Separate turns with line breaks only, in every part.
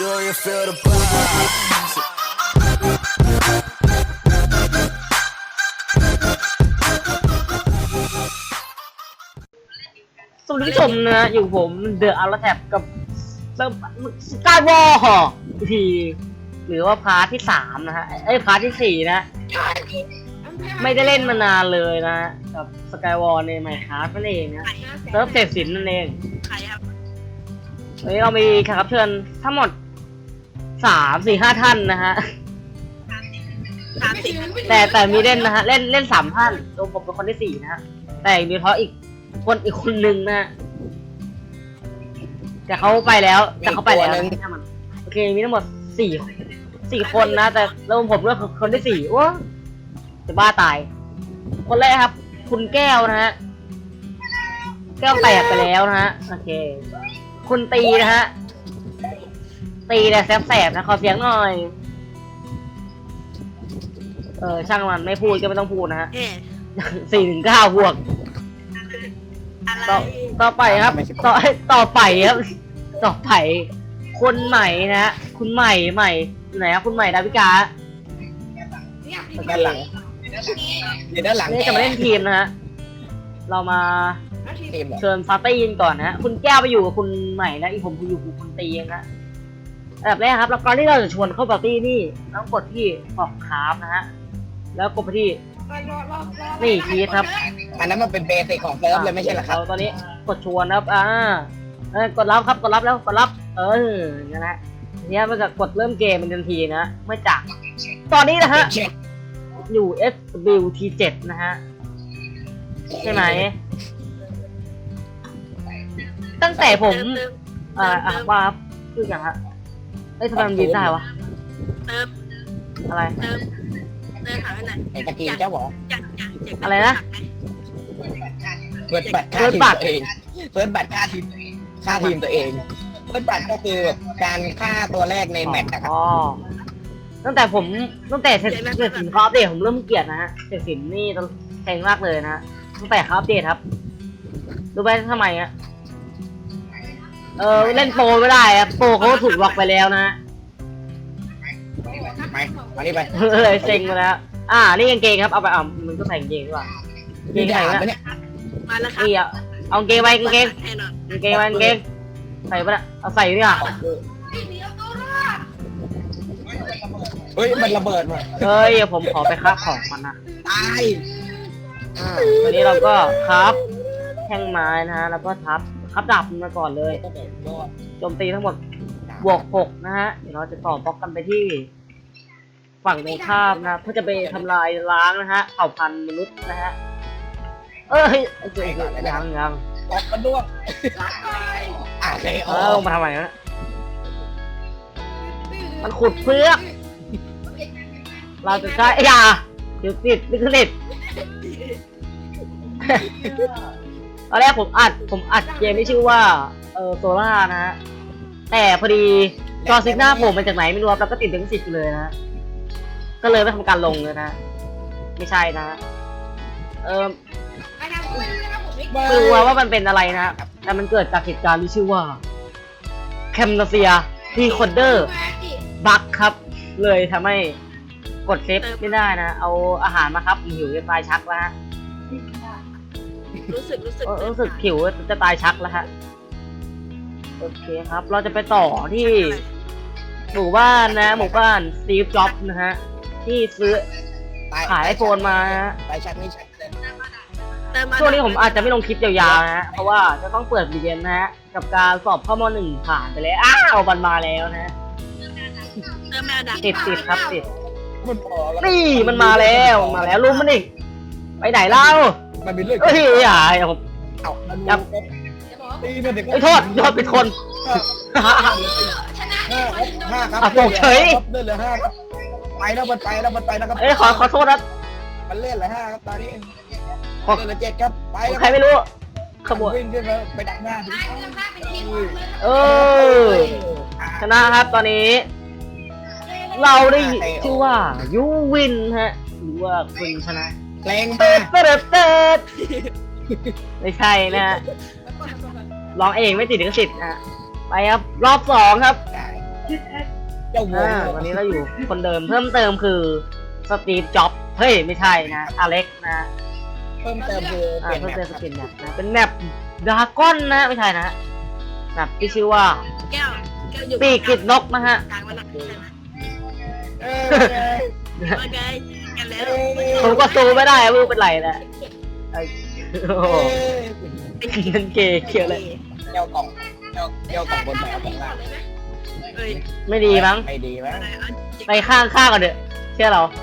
Do you feel the vibes?
สวัสดีผู้ชมนะอยู่ผมเดอะอัลแท็บกับสกายวอลทีหรือว่าพาร์ทที่3นะฮะพาร์ทที่4นะไม่ได้เล่นมานานเลยนะกับสกายวอลในไมค์คราฟนั่นเองนะเซิร์ฟเสพสินนั่นเองวันนี้เรามีแขกรับเชิญทั้งหมด3-4-5 ท่านนะฮะแต่มีเล่นนะฮะเล่น3 ท่านโดยผมเป็นคนที่4นะฮะแต่มีเพราะอีกคนหนึ่งนะแต่เขาไปแล้วนะมันโอเคมีทั้งหมด4 คนนะแต่แล้วผมเลือกคนที่4ว้าจะบ้าตายคนแรกครับคุณแก้วนะฮะแก้วแตกไปแล้วนะฮะโอเคคุณตีนะฮะตีแต่แสบๆนะขอเสียงหน่อยช่างมันไม่พูดก็ไม่ต้องพูดนะฮะ4-9 บวกต่อไปครับต่อไปครับต่อไปคนใหม่นะฮะคุณใหม่ไหนครับคุณใหม่ดาวิกา
ด้านหลังอยู่ด้านหลัง
นี่จะมาเล่นทีมนะฮะเรามาเชิญฟาร์ตี้ก่อนนะฮะคุณแก้วไปอยู่กับคุณใหม่นะอีกผมอยู่กับคุณตีนะฮะอันดับแรกครับแล้วก่อนที่เราจะชวนเข้าปาร์ตี้นี่ต้องกดที่กล่องคราฟนะฮะแล้วกดไปที่นี่คีย์ครับ
อันนั้นมันเป็นเบสิกของเซิร์ฟเลยไม่ใช่เหรอครับ
ตอนนี้กดชวนครับกดรับครับกดรับแล้วกดรับอย่างนี้นะเนี่ยมันจะกดเริ่มเกมเป็นทันทีนะไม่จากตอนนี้นะฮะอยู่ SWT นะฮะใช่ไหมตั้งแต่ผมว่าคืออย่างฮะทำไมมันบินได้วะอะไร
หาไปไหนไอ้ตะกี้เจ้าบอก
อะไรนะ
เปิดบัตรค่าทีมตัวเองเปิดบัตรค่าทีมตัวเองเปิดบัตรก็คือการฆ่าตัวแรกในแมตช์นะครับ
ตั้งแต่เสร็จสินคออัปเดตผมเริ่มเกลียดนะฮะเสร็จสินนี่แพงมากเลยนะตั้งแต่เขาอัปเดตครับรู้ไหมทำไมอ่ะเล่นโปรไม่ได้ครับโปรเขาถูกล็อกไปแล้วนะ
มานี่ไป
เลยเซ็งไปแล้วนี่กางเกงครับเอาไปมันก็ใส่กางเกงดีกว่า
เกงใส่
แล้วมาแล้วครับนี่เอากางเกงไปกางเกงใส่ไปละเอาใส่ดีกว่า
เฮ้ยมันระเบิดว่ะ
ผมขอไปครับของมันนะ
ตาย
วันนี้เราก็ครับแท่งไม้นะฮะแล้วก็ครับดาบมาก่อนเลยโจมตีทั้งหมดบวก6นะฮะเดี๋ยวเราจะต่อบล็อกกันไปที่ฝั่งตรงข้ามนะเพื่อจะไปทำลายล้างนะฮะเผ่าพันธุ์มนุษย์นะฮะยัง
ออกกันด้วย
ลงมาทำไมนะมันขุดเพื่อเราจะใช้เดี๋ยวติดไม่ติดตอนแรกผมอัดเกมที่ชื่อว่าโซล่านะฮะแต่พอดีจอซิกหน้าผมมาจากไหนไม่รู้แล้วก็ติดถึง10เลยนะก็เลยไม่ทำการลงเลยนะไม่ใช่นะไม่รู้ว่ามันเป็นอะไรนะแต่มันเกิดจากเหตุการณ์ที่ชื่อว่าแคมนาเซียทีคอนเดอร์บักครับเลยทำให้กดเซฟไม่ได้นะเอาอาหารมาครับหิวจะตายชักแล้วฮะรู้สึกหิวจะตายชักแล้วฮะโอเคครับเราจะไปต่อที่หมู่บ้านสตีฟจ็อบส์นะฮะที่ซื้อขายไอโฟนมา
ไปชักไม่ชัก
ช่วงนี้ผมอาจจะไม่ลงคลิปยาวๆนะฮะเพราะว่าจะต้องเปิดเรียนนะฮะกับการสอบข้อม.1ผ่านไปแล้วมันมาแล้วนะติดครับติดนี่มันมาแล้วรู้มันอีกไปไหนเล่า
มันเป็นเรื่อง
ผมโทษเป็นคน
5ครับ
ตกเฉย
เล่นเลย5ครับไปแล้วมันไปนะครับ
ขอโทษนะ
มันเล่นเลย5ครับตอนนี้เล่นเลย7ครับไป
ใครไม่รู้ขบวน
วิ่งขึ้นมาไปดักหน้า
ชนะครับตอนนี้เราได้ชื่อว่ายูวินฮะหรือว่าคุณชนะ
แรงมาก
ไม่ใช่นะร้องเองไม่ติดลิขสิทธิ์ไปครับรอบ2ครับ
เจ้าวง
วันนี้เราอยู่คนเดิมเพิ่มเติมคือสตีฟจ็อบเฮ้ยไม่ใช่นะอเล็กนะ
เพิ่มเติมคือเปลี่ยน
เพิ่ม
แม
เติ
ป
มสกินแมปนะเป็นแมปดราก้อนนะไม่ใช่นะแมปที่ชื่อว่า
แก้วอยู่
ปีกกิดนกนะฮะ
กลางวันหลักใช่ไหม
เออ
โอเคกันแล้ว
ผมก็ซูไม่ได้ไม่รู้เป็นไรนะไอ้โอ้โหเป็นเกย์เขียวเลย
เจ้ากล่องเจ้ากล่องบนแมวกล่องล่าง
เอ้ย
ไม่ดีมั้ง
ไม่ดีมั้ย
อะไรอ่ะ
ไปข้างก่อนเถอะเชื่อเรา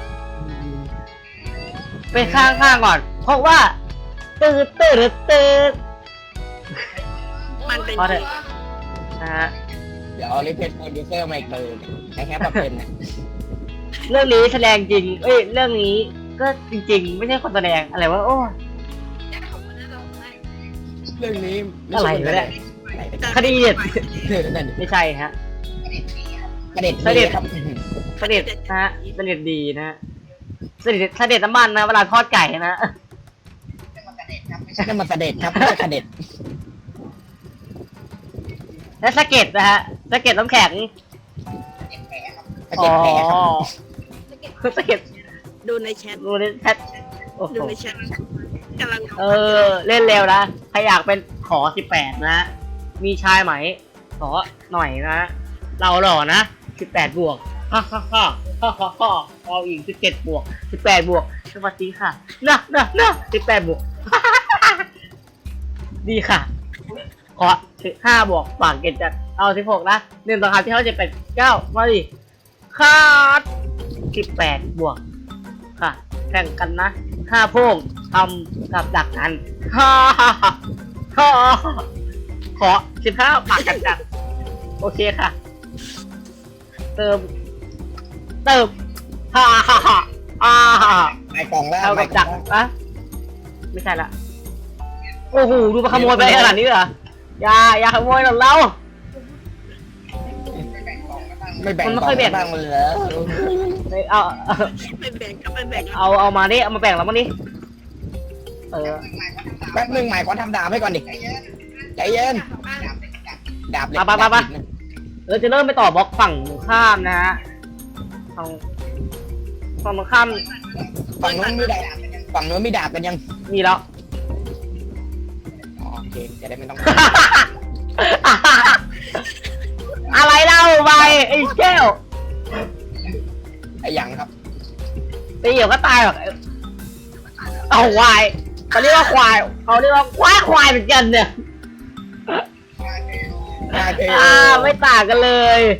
ไปข้างก่อน เพราะว่าตืด
มันเป็น
พอเถอะนะฮะ
เดี๋ยวเอาลิเพนโปรดิวเซอร์มาอีกเลยไอ้แค่แบบเป็นนะ
เรื่องนี้แสดงจริงเอ้ยเรื่องนี้ก็จริง ๆ ไม่ใช่คนแสดงอะไรวะโอ้
เรื่องนี้
อะไรวะเนี่ย คดีเด็ด
นั่น
ไม่ใช่ฮะ
ประเด็น
เสด็จ
ครับ
เสด็จนะฮะเสด็จดีนะฮะเสด็จน้ำมันนะเวลาทอดไก่นะ
นั่นมันเสด็จครับไม่ใช่เสด็จ
และสะเก็ดนะฮะสะเก็ดน้ำแข็ง
เสด็จแผลครับ
สะเก็ด
ดูในแชท
ดูในแชทโอ้โห
ดูในแชทกำลัง
เล่นเร็วนะใครอยากเป็นขอ18นะมีชายไหมขอหน่อยนะเราหล่อนะ18บวกฮ่าเอาอีก17บวก18บวกสวัสดีค่ะนะ18บวก ดีค่ะ ขอ5บวกฝากเกณฑ์จัดเอา16นะ1ต่อ5ที่เขาจะเป็น9มาดิคาด18บวกค่ะแข่งกันนะ5โพ่งทำกับดักกันฮ่าขอ15ฝากกันจัดโอเคค่ะ เติมฮ่า
ไปกล่องแล้ว
เอากับดักอะไม่ใช่ละโอ้โหดูมาขโมยไปขนาดนี้เหรออย่าขโมยของเรา
ไม่แบ่ง
มันไม่ค่อยแบ่ง
บ้างเลยเหรอ
เอา
ไปแบ่งกับไปแบ่ง
เอามาดิเอามาแบ่งแล้วมั้งดิ
แป๊บนึงหมายขอทำดาบให้ก่อนดิใจเย็นดาบเหล็ก
ไปจะเริ่มไปต่อบล็อกฝั่งตรงข้ามนะฮะฝั่งตรงข้าม
ฝั่งนู้นมีดาบฝั่งนู้นมีดาบกันยัง
มีแล้ว
อ๋อโอเคจะได้ไม่ต้อง
อะไรเล่าไปไอ้แก้ว
ไอ้หยังครับ
ตีเหี่ยวก็ตายหรอกเอาควายเขาเรียกว่าควายเขาเรียกว่าควายเหมือนกันเนี่ยไม่ต่างกันเลย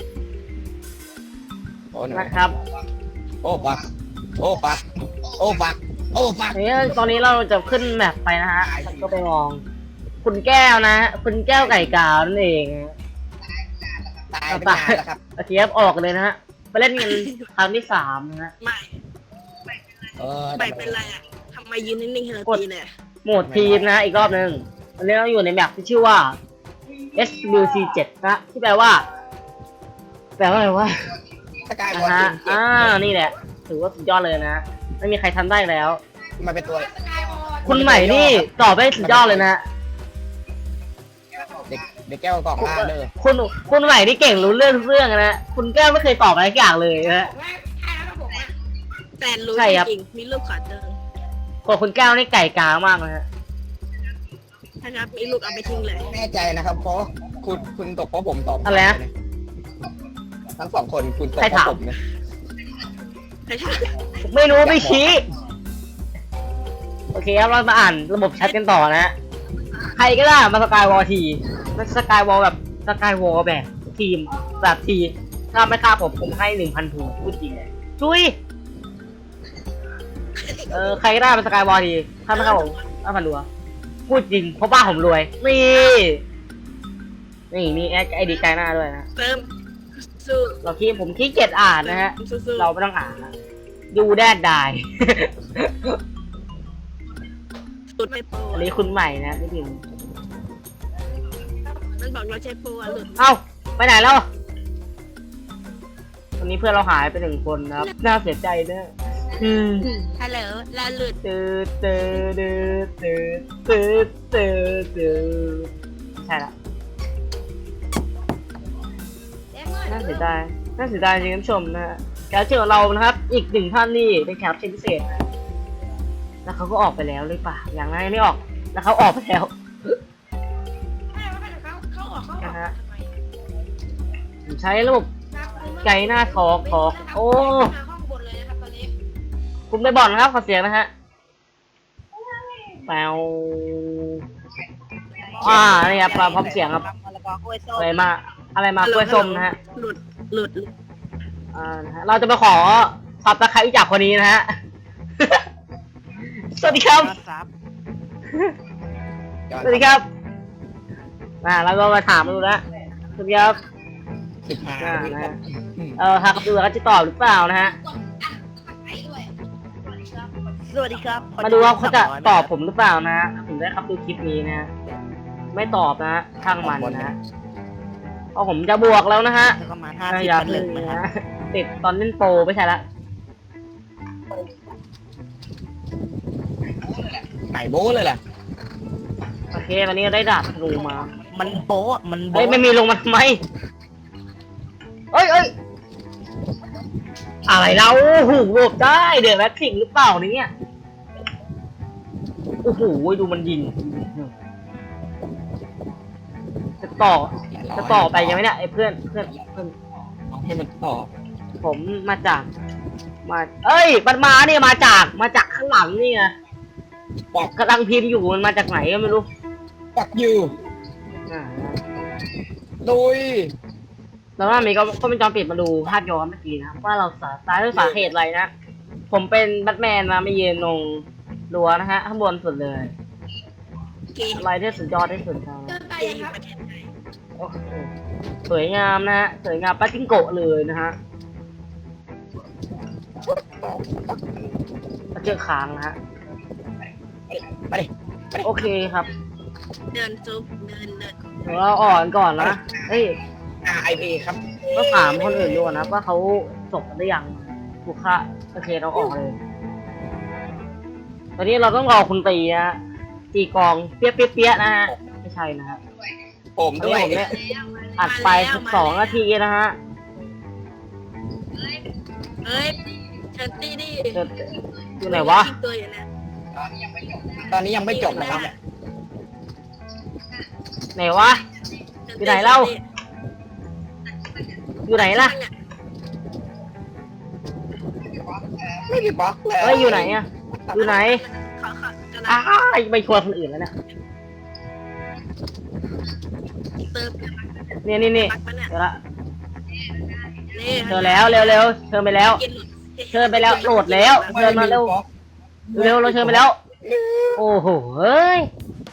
โอ้หนู
นะครับ
โอ้ปักโอ้ปักโอ้ปักโอ้ปัก
นี่ตอนนี้เราจะขึ้นแมปไปนะฮะก็ไปมอง คุณแก้วนะคุณแก้วไก่กาวนั่นเอง
ตายไปนานแล้วครับ
โอเคครับออกเลยนะฮะไปเล่นกันครั้งที่3นะฮะ
ไม่
เออ
ไม่เป็นไรอ่ะทำไมยืนนิ่งๆให้เราตีเลย
โหมดทีมนะอีกรอบหนึ่งวันนี้เราอยู่ในแมปที่ชื่อว่า SWC7 นะที่แปลว่าอะไรวะ
สกาย
นะ
บอล
ฮะ
เจ็บ
นี่แหละถือว่าสุดยอดเลยนะไม่มีใครทำได้แล้ว
มาเป็นตัว
คุณใหม่นี่ตอบได้สุดยอดเลยนะ
เด็กแก้วกล่องล่าเลย
คุณใหม่นี่เก่งรู้เรื่องนะคุณแก้วไม่เคยตอบอะไรสักอย่างเลยนะ
แต่รู้
ใช่ครับ
จริงๆมีรูปขอเจอ
คนคุณแก้วนี่ไก่กามากนะฮะ
ถ้านับมีลูกเอาไปทิ้งเลย
แน่ใจนะครับเพราะคุณตกเพราะผมตอบ
อะไรนะ
ทั้งสองคนคุณตก
ใคร
เพราะ
ถาม
ผมนะ
ใช่ใช่
ไม่รู้ไม่ชี้โอเคครับเรามาอ่านระบบแชทกันต่อนะฮะใครก็ได้มาสกายวอลทีมาสกายวอลแบบสกายวอลแบบทีมแบบทีถ้าไม่ฆ่าผมให้ 1,000 ถูกพูดจริงเลยจุ้ยใครก็ได้มาสกายวอลทีถ้าไม่ฆ่าผม5,000รัวพูดจริงเพราะบ้านผมรวยนี่มีไอดีไกลหน้าด้วยนะ
เติมสู้
ผมขี้เกียจอ่านนะฮะ
สู้
เราไม่ต้องอ่านนะดูแดดได้
สุดไม่โปร
อันนี้คุณใหม่นะพี่พิมพ์
มันบอกเราใช้โปรอ่ะหลุด
เอ้าไปไหนแล้ววันนี้เพื่อนเราหายไป1 คนนะครับน่าเสียใจเนอะ
ฮัลโหลเราหลุด
ใช่ละน่าเสียดายน่าเสียดายจริงๆท่านผู้ชมนะฮะแขกรับเชิญของเรานะครับ อีกหนึ่งท่านนี่เป็นแขกรับเชิญพิเศษนะแล้วเขาก็ออกไปแล้วหรือเปล่าอย่างนั้นไม่ออกแล้วเขาออกไปแล้ว
ใช่ว่าเป็นเขาออก
นะฮะ
ทำไม
ผมใช้ระบบไกหน้าทอกโอ้
ห้องบนเลยนะครับตอนนี้
คุณไปบ่อนนะครับขอเสียงนะฮะแปวนี่ครับพร้อมเสียงครับอะไรมาอะไรมากล้วยส้มนะฮะ
หลุด
นะฮะเราจะมาขอซับตะไคร้จากคนนี้นะฮะ สวัสดีครับสวัสดีครับแล้วก็มาถามดูนะสวัสดีครับ
15
นะฮะหากดูเขาจะตอบหรือเปล่านะฮะ
สวัสดีครับ
มาดูว่าเขาจะตอบผมหรือเปล่านะฮะผมได้ครับดูคลิปนี้นะฮะไม่ตอบนะฮะช่างมันนะฮะเพราะผมจะบวกแล้วนะฮะ
ประมาณ
อยาก
50
เล่
1
น
นะ
นะ
ครั
ฮะ
บ
ติดตอนเล่นโปรไม่ใช่ละ
ไก่โบ้เลยแหละ
โอเควันนี้ได้ดาบธนูมา
มันโป๊ะมัน
เฮ้ย
โบ๊ะ
ไม่มีลงมาทำไมเอ้ยอะไรเราโอ้โหโหลบได้เดือดแบ็คทิงหรือเปล่าเนี่ยโอ้โหดูมันยิงจะต่อไปยังไงเนี่ยไอ้เพื่อน
เอาให้มันต่อ
ผมมาจากเอ้ยมันมาเนี่ยมาจากข้างหลังนี่ไง
ปอก
กำลังพิมพ์อยู่มันมาจากไหนก็ไม่รู้
ปอกอยู่
อ่า
ดุย
แล้วว่ามีก็เป็นจอมปิดมาดูภาพย้อนเมื่อกี้นะครับว่าเราตายด้วยสาเหตุอะไรนะผมเป็นแบทแมนมาไม่ยืนลงรั้วนะฮะข้างบนสุดเลย
เกม
อะไรที่สุดยอดที่สุดครับ
เดินไปครับ
โอ้โหสวยงามนะฮะสวยงามปาจิงโกะเลยนะฮะเจอค้างนะฮะ
ไปดิ
โอเคครับ
เดินซุปเดิน
เดี๋ยวเราอ่อนก่อนนะเฮ้ย
RIP ครับ
ก็ถามคนอื่นดูนะว่าเขาจบกันหรือยังถูกค่ะโอเคเราออกเลย ตอนนี้เราต้องรอคุณตีนะฮะตีกองเปี้ยนะฮะไม่ใช่นะฮะ
ผม
ตอน
ด้ว
นี้
ย
ผมเนี่ยอัดไป12 นาทีนะฮะ
เอ้ยเชิญตี้ดิ
อยู่ไหนวะ
ตัวอยู่นะ
ตอนนี้ยังไม่จบนะครับ
ไหนวะ อยู่ไหนเล่า อยู่ไหนล่ะ
ไม่มีบล็อกเลย
เฮ้ยอยู่ไหนอะอยู่ไหน
เขากำลั
อ้าง ไม่ชวนคนอื่นแล้วเนี่ย
เติม
นี่
ปักปะเนี่ย
เดี๋ยวละ
นี่
เชิญแล้วเร็วเชิญไปแล้ว เชิญไปแล้วโหลดแล้วเชิญมาเร็วเราเชิญไปแล้ว โอ้โหเฮ้ย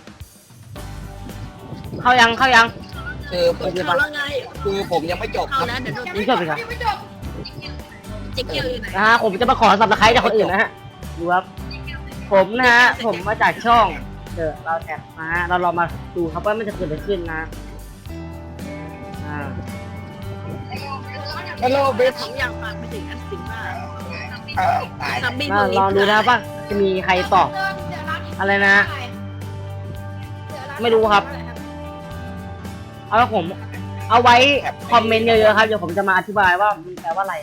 เข้ายัง
คือผม
เขาแล้วไง
คือผมยังไม่จบค
เข้า
รับ
แล้วเดี๋ยวโดน
นี่จบเลยครับ
เจ๊เกียวอยู่ไหน
นะฮะผมจะมาขอสับตะไคร้จากคนอื่นนะฮะดูครับผมนะฮะผมมาจากช่องเราแท็บนะฮะเราลองมาดูครับว่ามันจะเกิดอะไรขึ้นนะอ่า
ฮัลโหลเบส
ผมอยากฝากไปถึงอันสิงว่า
ตาย
ซัมบี้
ลองดูนะครับว่าจะมีใครตอบอะไรนะ ไม่รู้ครับ เอาละผมเอาไว้คอมเมนต์เยอะๆครับเดี๋ยวผมจะมาอธิบายว่ามันแปลว่าอะไร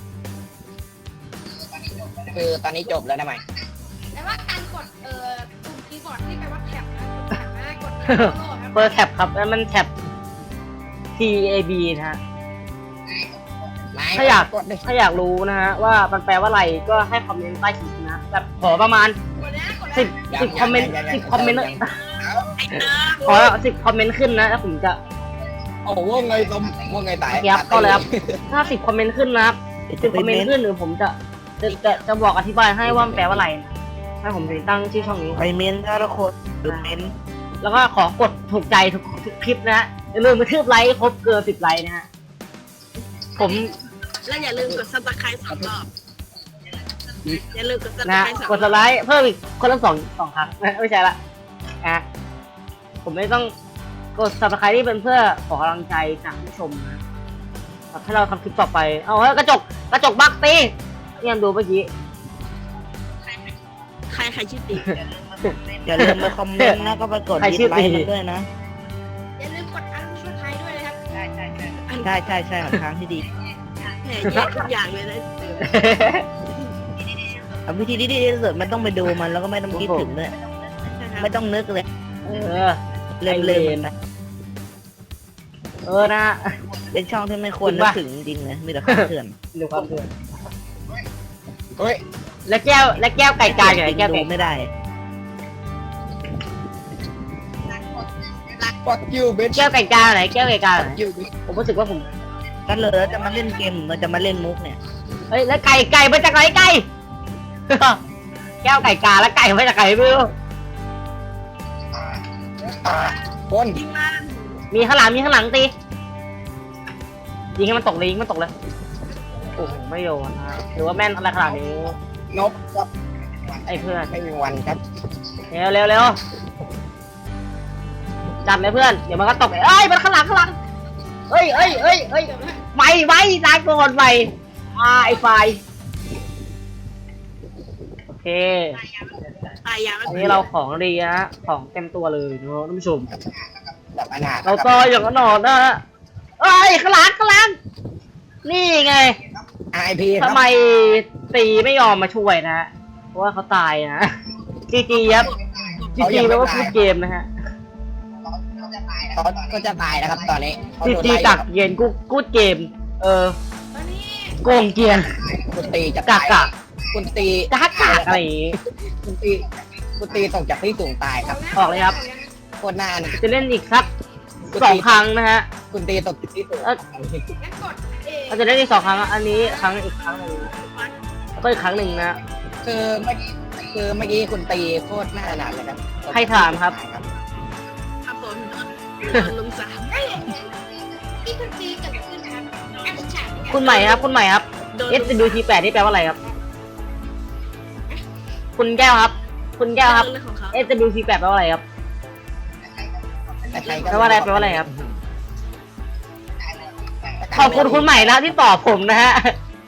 คือตอนนี้จบแล้วนะไหม
แต่ว่าการกดปุ่มคีย์บอร์ดที่แปลว่าแท็บนะกดแท็บนะกดโหลดครับ
เปิดแท็บครับแล้วมันแท็บ TAB นะฮะ ถ้าอยากรู้นะฮะว่ามันแปลว่าอะไรก็ให้คอมเมนต์ใต้คลิปนะแบบขอประมาณ
กดนะกดนะ
10คอมเมนต์10คอมเมนต์ขอ10คอมเมนต์ขึ้นนะแล้วผมจะ
โอ้ว่าไงต้มว่าไงตาย
ครับก็เลยครับถ้า10คอมเมนต์ขึ้นนะครับ10คอมเมนต์ขึ้นหรือผมจะบอกอธิบายให้ว่ามันแปลว่าอะไรนะให้ผมถึงตั้งชื่อช่องนี้
ไปเมนถ้าทุกคนดูเมน
แล้วก็ขอกดถูกใจทุกคลิปนะฮะอย่าลืมกระทืบไลค์ครบเกิน10ไลค์นะฮะผม
และอย่าลืมกดซับสไครต์2 รอบอย่าลืมกดซับส
นะ
ไครต์2
กดสไลค์เพิ่มอีกคนละสองครั้งไม่ใช่ละผมไม่ต้องกด subscribe ที่เป็นเพื่อขอกำลังใจจากผู้ชมนะให้เราทำคลิปต่อไปเอาเฮ้ยกระจกบักตีเนี่ยดูเมื่อกี้
ใครชื่อตี
อย่าลืมไปคอมเมนต์นะก็ไปกด
ใคร
ดิ
ชื่
ส
อ
ไล
ตี
ค์มันด้วยนะ
อย่าลืมกดอันช่วยไทยด้วยนะครับ
อัน
ใช่หนทางที่ดี
แหมแย่ทุกอย่างเลยนะ
เอาวิธีที่ดีที่สุดมันต้องไปดูมันแล้วก็ไม่ต้องคิดถึงเลย
นะครับ
ไม่ต้องนึกเลย
เออ
เล่นๆมันไป
นะ
เป็นช่องที่ไม่ควรนึกถึงจริงๆเลยมีแต่ของเถื่อน
ดูความเดือด
เฮ้ย
แล้วแก้วไก่กาอยู่ไหนแก้ว
ดู
ไก่
ไม่ได้
fuck you bitch
แก้วไก่กาไหนแก้วไก่กาไหน
fuck you bitch
ผมรู้สึกว่าผม
ก็เลยจะมาเล่นเกมมันจะมาเล่นมุกเนี่ย
เฮ้ยแล้วไก่มาจากไหนไก่ แก้วไก่กาแล้วไก่มาจากไหนไม่รู้
คน
ยิงมัน
มีข้างหลังตียิงให้มันตกเลยยิงมันตกเลยโอ้โหไม่โดนนะหรือว่าแม่นอะไรขนาดนี้
นบครับ
ไอ้เพื่อน
ไม่มีวันครับ
เร็วจับเลยเพื่อนเดี๋ยวมันก็ตกเอ้ยมันข้างหลังเฮ้ยไม่ลากก่อนไปไอ้ไฟโอเค
ตายยาว
อันนี้เราของดีนะของเต็มตัวเลยเนาะท่านผู้ชม
แบบอนาถ
เราต่ออย่างนั้นหนอนนะฮะเอ้ยข้างหลังนี่ไง
IP ค
ทำ
รับ
ไมตีไม่ยอมมาช่วยนะเพราะว่าเขาตายนะจีครับจีแปลว่าพูดเกมนะฮะ
เขาก็จะตายนะครับตอนนี้เขาโดน
จี
ไล่
กักเย็นกูดเกม
ตอนนี้
โกงเกียน
คุณตีจะ
กั
ตาก ย
กัก
คุณตี
อะไรอย่างงี้
คุณตีตกจากที่สูงตายครับ
ออกเลยครับ
โคตรหน้านะ
จะเล่นอีกสัก2 ครั้งนะฮะ
คุณตีตกจากที่สูง
งั้นกดเอ
เราจะเล่นอีก2 ครั้งอันนี้อีกครั้งหนึ่งแล้วก็อีกครั้งหนึ่งนะ
คือเมื่อกี้คุณตีโคตรหน้าหนาเลยครับ
ใครถามครับ
ครับผมลุงสาม
เอ้ยนี่คุณตีเกิดขึ้นครับแอปฉากเนี่ย
คุณใหม่ครับ
โดน
SWT8 นี่แปลว่าอะไรครับ คุณแก้วครับ
เรื่องของเขา
SWT8 แปลว่าอะไรครับ แปลว่าอะไรครับ ขอบคุณคุณใหม่นะที่ตอบผมนะฮะ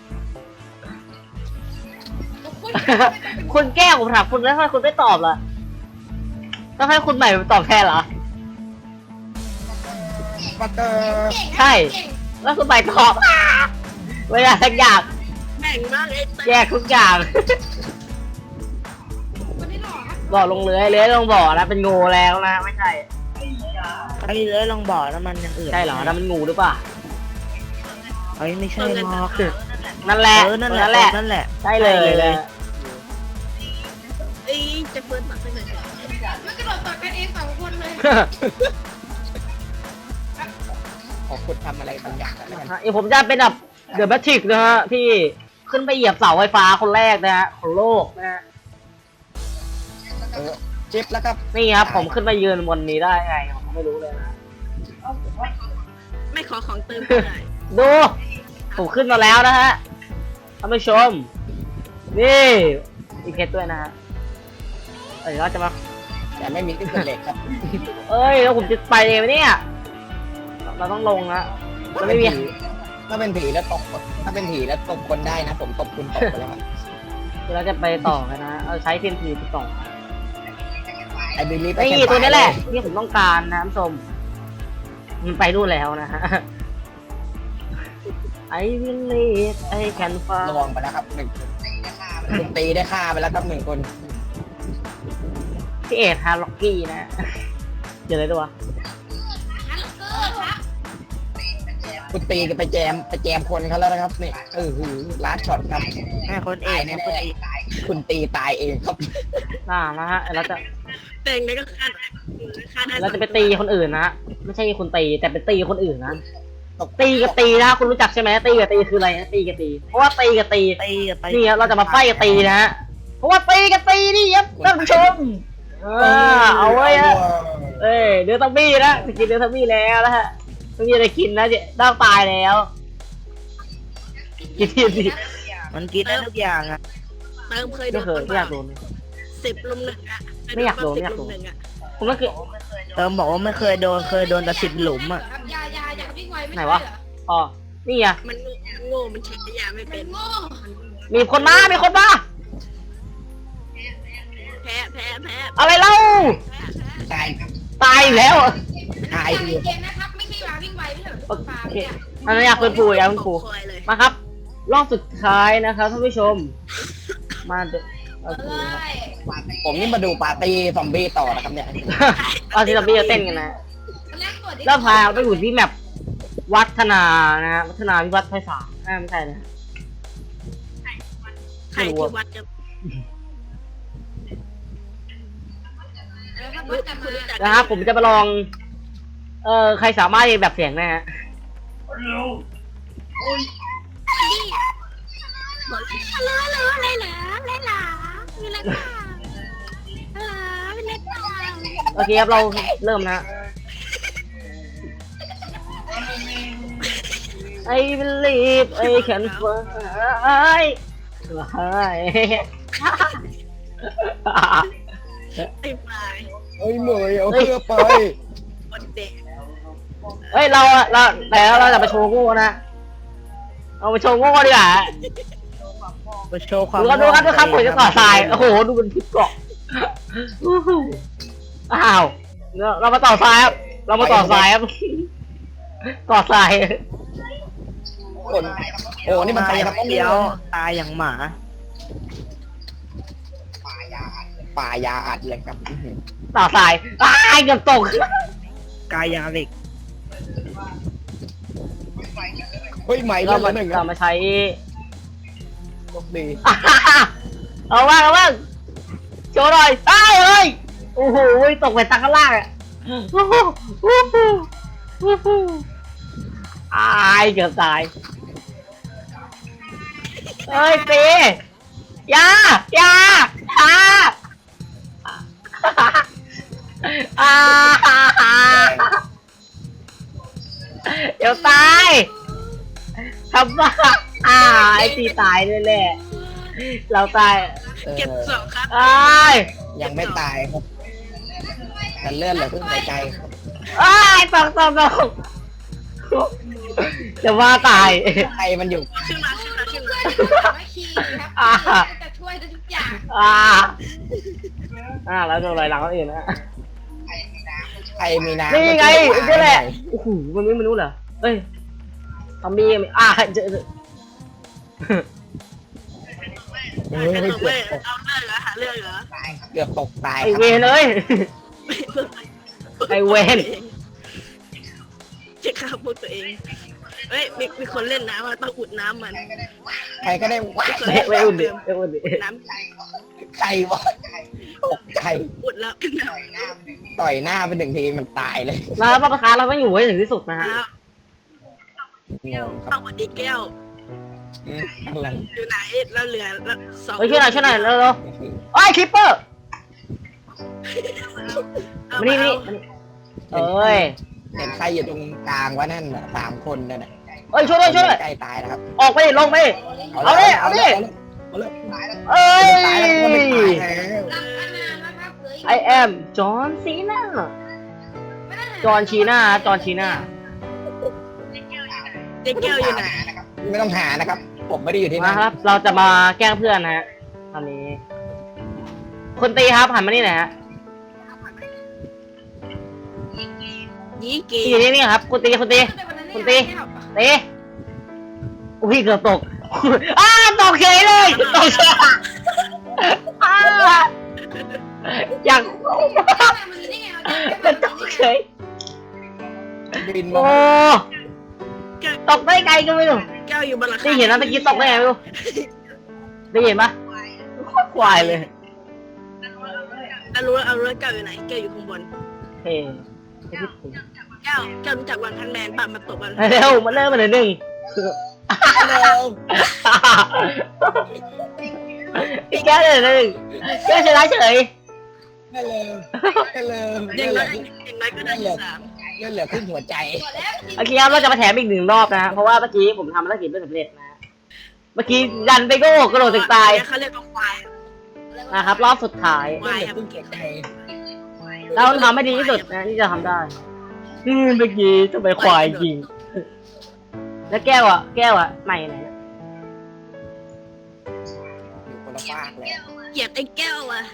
คุณ
คุณแก้วผมถามคุณแล้วทำไมคุณไม่ตอบล่ะต้องให้คุณใหม่ตอบแทนเหรอ
ปัตเตอร์
ใช่ แล้วคุณใหม่ตอบเวลาทุกอย่าง
แบ่งบ้างไอ้เต้
แยกทุกอย่าง
คนที่หล่อครับ
บ่อลงเลื้อยลงบ่อนะเป็นงูแล้วนะไม่ใช่
ไอ้เลยลองบอกแล้วมันอย่างอื่น
ใช่เหรอนั่นมันงูหรือเปล่า
ไอ้ไม่ใช่หรอก
นั่นแหละ
นั่น
นั่น
แห
แห
ละ
ละ
นั่นแหละ
ใช่เลยเลย
ไอ้จะเปิดปากไปไหน
มันกระโดดต่อกันเอง2 คนเลย
ขอคุณทำอะไรบางอย่างแล้วกัน
เดี๋ยวผมจะเป็นแบบเดอะแบทริกนะฮะที่ขึ้นไปเหยียบเสาไฟฟ้าคนแรกนะฮะของโลกนะฮะ
จิ๊บแล้วครับ
นี่ครับผมขึ้นมายืนบนนี้ได้ไงผมไม่รู้เลยนะ
ไม่ขอของเติมก็ได้
ดูผมขึ้นมาแล้วนะฮะท่านผู้ชมนี่มีเพชรด้วยนะฮะเดี๋ยวเราจะมา
แต่ไม่มีที่สุดเหล็กครับ
เอ้ยแล้วผมจะไปเองไหมเนี่ยเราต้องลงนะเราไม่มี
ถ้าเป็นผีแล้วตกถ้าเป็นผีแล้วตบคนได้นะ ผมตบคุณตกไปแล้วครับ
เดี๋ยวเราจะไปต่อกันนะเอาใช้เทียนทีไปต่อ
ไอ้บิลลี่ไป
นี่ตัวนี้แหละที่ผมต้องการนะท่านผู้ชมมันไปนู่นแล้วนะฮะ I believe I can
ระ
fly
วังไปแล้วครับ1คุณตีได้ฆ่าไปแล้วครับ1 คน
พี่เอ็ดฮาร์ล็อกกี้นะ เดี๋ยวเลยด้วยวะ
ฮัลโหลครับ
คุณตีก็ไปแจมคนเขาแล้วนะครับนี่ลาดช็อตครับ
แม่คนเอกนะคนเอก
คุณตีตายเองครับ
นะฮะเราจะ
แต่งแล้วก็ฆ่าได้
เราจะไปตีคนอื่นนะไม่ใช่คุณตีแต่เป็นตีคนอื่นนะตีกับตีนะคุณรู้จักใช่ไหมตีกับตีคืออะไรนะตีกับตีเพราะว่าตีกับตี
ตีกับไป
นี่ครับเราจะมาไฟกับตีนะฮะเพราะว่าตีกับตีนี่ครับท่านผู้ชมเอาไว้ฮะเอ้ยเดือดทัมบี้นะกินเดือดทัมบี้แล้วนะฮะไม่มีอะไรกินนะเดี๋ยวต้องตายแล้วกินทีสิ
มันกินได้ทุกอย่างอ่ะ
เติมเคยโด
ไม่
น
เคยไม่อยากโดน
10 ลุม 1อ่ะ
ไม่อยากโดนไม่อยากโดน
10 ลุม 1อ่ะ
ผมก็คือ
เติมบอกว่าไม่เคยโดนแต่10 หลุมอ่ะ
ครับยาวิ่งไวไม่
ไหน
ใช่
วะ
เหรอ
อ๋อนี่ไง
มันโง่มันใช้ยาไม่
มั
เป็น
นโง่
มีคนมา
แพ้
อะไรเล่า
ตาย
ตายอีกแล้ว
ตาย
ยาในเกมนะครับไม่ใช่ยาวิ่งไวไม่ใช่เหรอ
โอ
ฟาร์ม
เค
เนี่ย
อันนั้นอยากเป็นปูอยากเป็นปู
คอยเลย
มาครับ รอบสุดท้ายนะครับท่านผู้ชม มาเดโอเค
เลย
ผมนี่มาดูปาร์ตี้ซอมบี้ต่อนะครับเนี่ย
เอาที่เราไปเต้นกันนะ
แรกกดดิ
แล้วพาไปอยู่ที่แมปวัฒนานะฮะวัฒนาวิวัฒน์ไพศาลไม่ใช่นะ
ใครที่วัดจะ
แล้วก็
รู้
จะ
คุณรู้จัก
นะครับผมจะมาลอง ใครสามารถเรียนแบบเสียงนะฮะ
บอกฮัลโหลอะไรเหรออะไรเหรอมีอะไรบ้างฮัลโหลมีอะไรบ้าง
โอเคครับเราเริ่มนะ I believe I can fly
ไอ้ปลาย
เฮ้ยเหมยเอาเพื่อไป
คนเด็ก
เฮ้ยเราแต่เราจะมาโชว์โง่นะเอามาโชว์โง่ดีกว่า
มาโชว์ความ
ดูครับดูครับผมจะต่อทรายโอ้โหดูเป็นพิษเกาะอ้าวเรามาต่อทรายครับเรามาต่อทรายครับต่อทราย
คนโอ้นี่มัน
ตา
ไป
ยอ
ครั
ย่า
บ
งเดียวตายอย่างหมา
ป่ายาอัดเลยครับ
ต่อทรายอ้ายเกือบตก
กายยาเหล็ก
เฮ้ยใหม่
เรา
เล่นละหนึ่งค
เรา
รับ
มาใช้
โชคดี
เอาบ้างโชว์หน่อยอ้าวเฮ้ยโอ้โหตกไปตางข้างล่างอ่ะโอ้โหโอ้โหโอ้โหอ้ายเกือบตายเฮ้ยปียายาเดี๋ยวตายทำบ้าไอ้ตีตายแน่ๆเราตาย
เก็บสองครับ
อ้าย
ยังไม่ตายครับแต่เลื่อนเหลือครึ่งหัวใจครับ
อ้ายตกจะว่าตาย
ใครมันอยู่
ขึ้นมา
ไม่คีครับจะช่วยได้ทุกอย่าง
แล้วโดนอะไรหลังคนอื่นนะ
ใครมีน้ำ
นี่ไง
มัน
นี่แหละ
ตาย
โอ้โหมันไม่รู้เหรอเอ้ยทอมบี้เจอ
เฮ้ย
เอา
เกื
เว้
อย บตก
เอาเรื่องเหรอหาเรื่องเหรอ
เกือบตกตาย
ไอ
ครับ
เวนเอ้ย ไอ้เวร
จะฆ่าพวกตัวเองเฮ้ยมีคนเล่นน้ำต้องอุดน้ำมัน
ใครก็ได้ว่า
ไม่อุ่นดิไม่อุ่นดิ
น้
ใครวะตกใจ
ำอุดแล้ว
ต่อยหน้าไปหนึ่งทีมันตายเลย
แล้วพ่อประคาเราต้องอยู่ให้ถึงที่สุดนะฮะ
งงครั
เอา
บ
วันดีแก้ว
อะไร
อยู่ไหนเราเหลือสอง
เฮ้ยช่วยหน่อยเร็วๆไอ้คิปเปอร์มานี่เอ้ย
เห็นใครอยู่ตรงกลางวะนั่นน่ะ3 คนนั่นน่ะ
เอ้ยช่วยด้วย
ใกล้ตายแล้วครับ
ออกไปลงไป เอาดิ
เอาเลย
เอ้ย
ตายแล้วก็ไม่ตายแล้ว
รับอานานนะครับเหลืออีก
I am John Cena จอห์นชีน่า
เจ๊แก้วอยู่ไหน
ไม่ต้องหานะครับ ผมไม่ได้อยู่ที่
มา
นั่น
ครับ เราจะมาแกล้งเพื่อนนะฮะตอนนี้คนตีครับหันมานี่หน่อยฮะ
ยี่เก
ตีอยู่นี่ครับคนตีตีอุ้ยเกือบตกตกเฉยเลยตกเฉยอยากมันตกเฉย
บินมา
โอ้ตกได้ไกลก็ไม่รู้
แก้วอยู่บนหลังคา
ได้เห็นนะตะกี้ตกได้ไงไม่รู้ได้เห็นปะโคตรควายเลย
เอารู้แก้วอยู่ไหนแก้วอยู่ข้างบน
เฮ้ยไม่คิดถึง
แก้วรู้จักวันพันแมนป่ะมาตบวัน
เร็วมาเริ่มมาเลยหนึ่ง
เร็ว
พี่แก้วเลยหนึ่งแก้วชนะเฉย
เร็ว
อย่างน้อยก็ได้ที่3
เลื่อนเหลือครึ่งหัวใจ
โอเคครับเราจะมาแถมอีก1 รอบนะเพราะว่าเมื่อกี้ผมทำภารกิจไม่สำเร็จนะเมื่อกี้ดันไปโก้กระโดดตึกตาย
เขาเรียกว่าควาย
นะครับรอบสุดท้าย
ควาย
ครึ่งหัวใจ
เราทำให้ดีที่สุดนะที่จะทำได้เมื่อกี้จะไปควายยิงแล้วแก้วอ่ะใหม่ไหน
อยู่คนละฟากเลย
เกลียดไอ้แก้วอ่ะ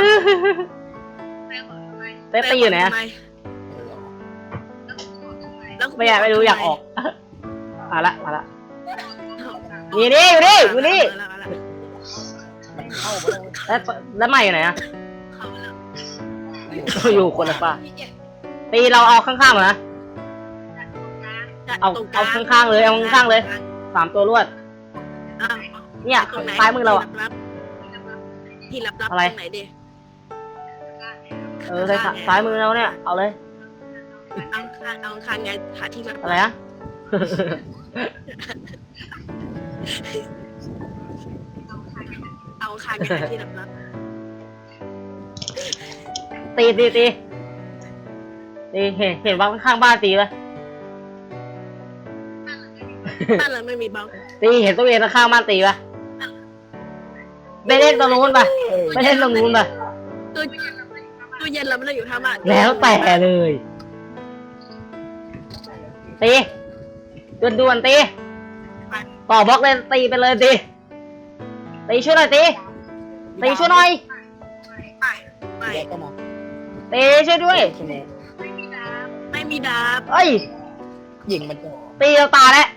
เต้ไปอยู่ไหน
ทำมแล้ว
ไม่รู้อยากออกมาละนี่นี่อยู่นี่อยู่นี่
มันเข้าไปแล้ว
แล้วใหม่อยู่ไหนอะ
เข้ามาแล้ว
อยู่คนละฝ้าตีเราเอาข้างๆเหรอนะ เอา
ตรงกลง
ข้างๆเลยเอาข้างๆเลย 3 ตัวรวด
อ่ะ
เนี่ย
ตรงไหน
ซ้ายมือเราอะ
ที่ลับๆ
อะไร
ตรงไหนดิ
ซ้ายมือเราเนี่ยเอาเลย
เอาคางไงหาที่ลับ
อะไรอะ
เอาคางไงหาที่ลับ
ตีเห็นว่าข้างๆบ้านตีปะ
ๆบ้านเราไม่มีบล็อก
ตีเห็นตัวเองข้างบ้านตีปะไปเล่นตรงนู้นปะไปเล่นตรงนู้นปะ
ตู้เย็นเราไม่ได้อยู่ท่าบ้าน
แล้วแต่เลยตีด่วนๆตีต่อบล็อกเลยตีไปเลยตีช่วยหน่อยตีช่วยหน่อย
ไป
แยกก็มา
ตีช่วยด้วย
ใช่ไหม
ไม่มีดาบ
เอ้ย
ยิงมันจะ
ตีเราตาแล้ว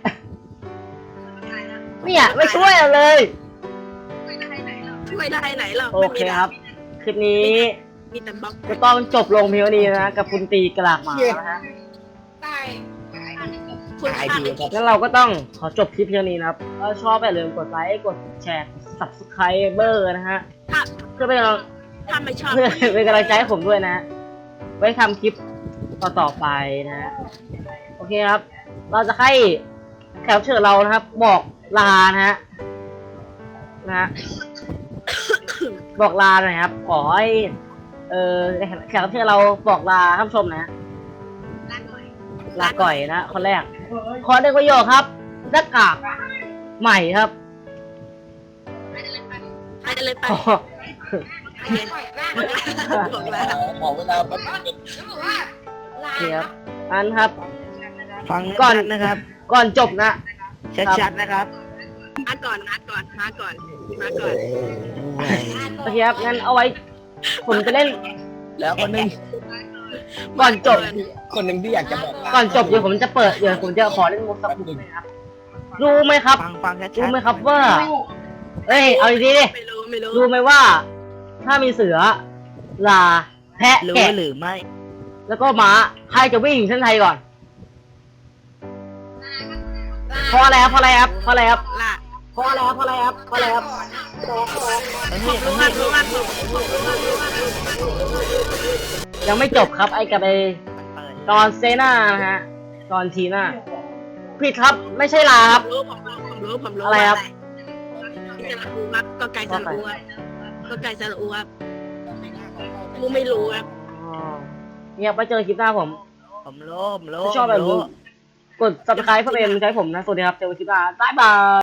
เนี่ยไม่ช่วยเลย
ช่วยได้ไหนเรา
โอ
ไม่
เค
มีดา
ครับ คลิปนี้
มีแต่บล็อก
ก็ต้องจบลงเพียงเท่านี้นะกับคุณตีกระลากหมานะฮะ
ตาย
คุณ
ตาย
ค่า
ที
ใน
ครับ
งั้นเราก็ต้องขอจบคลิปเพียงนี้นะครับถ้าชอบอย่าลืมกดไลค์กดแชร์กด subscriber นะฮะ เพื่อเป็นกำลัง
ถ้าไม่ชอบ
เพื่อเป็นกำลังใจให้ผมด้วยนะ ไว้ทำคลิปต่อไปนะฮะโอเคครับ เราจะให้แขกรับเชิญเรานะครับ บอกลานะฮะบอกลาหน่อยครับขอให้แขกรับเชิญเราบอกลาท่านผู้ชมนะ ลาก่อยนะคนแรก ขอ1 ประโยคครับหน้ากากใหม่ครับ
ไปเลยไป
ขอ
ปล่อยร่าง
บอกแล้ว
ขอเวลาแป๊บนึง
แล้วบอกว่าลา
เทียบอันครับ
ฟัง
ก่อน
ชัดๆนะครับ
ก่อนจบนะ
ชัดๆนะครับ
มาก่อน
โอเคครับงั้นเอาไว้ ผมจะเล่น
แล้วคนหนึง
ก่อนจบ
คนหนึ่งที่อยากจะบอก
ก่อนจบเดี๋ยวผมจะเปิดเดี๋ยวผมจะขอเล่นมุกสักมุกนะครับรู้ไหมครับ
ฟังชัดๆ
รู้ไหมครับว่าเอ้ยเอาดีๆดิ
ไม่รู้
รู้ไหมว่า ถ้ามีเสือลาแพะ
รู้
แกะ
หรือไม่
แล้วก็ม้าใครจะวิ่งเส้นชัยก่อนเพราะอะไรครับ
ล่ะ
ยังไม่จบครับไอ้กับไอ้
เปิด
ตอนเซน่านะฮะตอนทีน่าผิดครับไม่ใช่ลาครับ
ผมรู้
อะไรครับ
สระอูครับก็ไก่สระอูครับกูไม่รู้ครับ
อ๋อเนี่ยไปเจอคลิปหน้าผม
ผมรู้
ถ้าชอบแบบนี้กด subscribe เพื่อเป็นกำลังใจให้ผมนะ สวัสดีครับ เจอกันคลิปหน้าบ๊ายบาย